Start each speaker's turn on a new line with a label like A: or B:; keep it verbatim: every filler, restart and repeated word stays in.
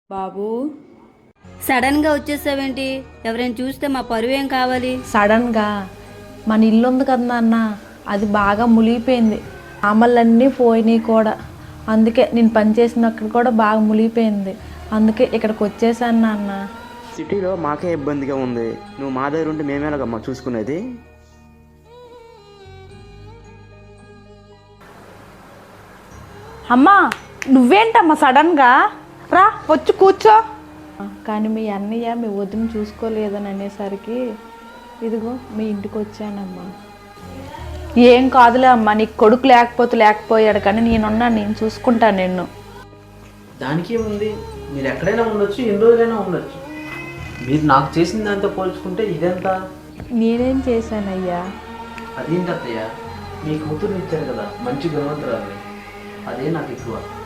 A: బాబు సడన్గా వచ్చేసావేంటి? ఎవరైనా చూస్తే మా పరువు ఏం కావాలి?
B: సడన్గా మన ఇల్లు ఉంది కదా అన్న, అది బాగా మునిగిపోయింది. అమలన్నీ పోయినాయి కూడా. అందుకే నేను పనిచేసినక్కడ కూడా బాగా మునిగిపోయింది. అందుకే ఇక్కడికి వచ్చేసాను అన్న.
C: సిటీలో మాకే ఇబ్బందిగా ఉంది, నువ్వు మా దగ్గర ఉంటే మేమేలాగమ్మా చూసుకునేది?
D: అమ్మా నువ్వేంటమ్మా సడన్గా రా వచ్చి కూర్చో.
B: కానీ మీ అన్నయ్య మీ వదిన చూసుకోలేదని అనేసరికి ఇదిగో మీ ఇంటికి వచ్చానమ్మా.
D: ఏం కాదులే అమ్మా, నీకు కొడుకు లేకపోతే లేకపోయాడు కానీ నేనున్నా, నేను చూసుకుంటాను నిన్ను.
E: దానికి ఏముంది, మీరు ఎక్కడైనా ఉండొచ్చు, ఎన్ని రోజులైనా ఉండొచ్చు. మీరు నాకు చేసిన దాంతో పోల్చుకుంటే ఇదెంత?
B: నేనేం చేశానయ్యా?
E: అదేంటి అత్తయ్య, మీ కూతుర్ని ఇచ్చారు కదా మంచి గుణవంతురాలు, అదే నాకు ఎక్కువ.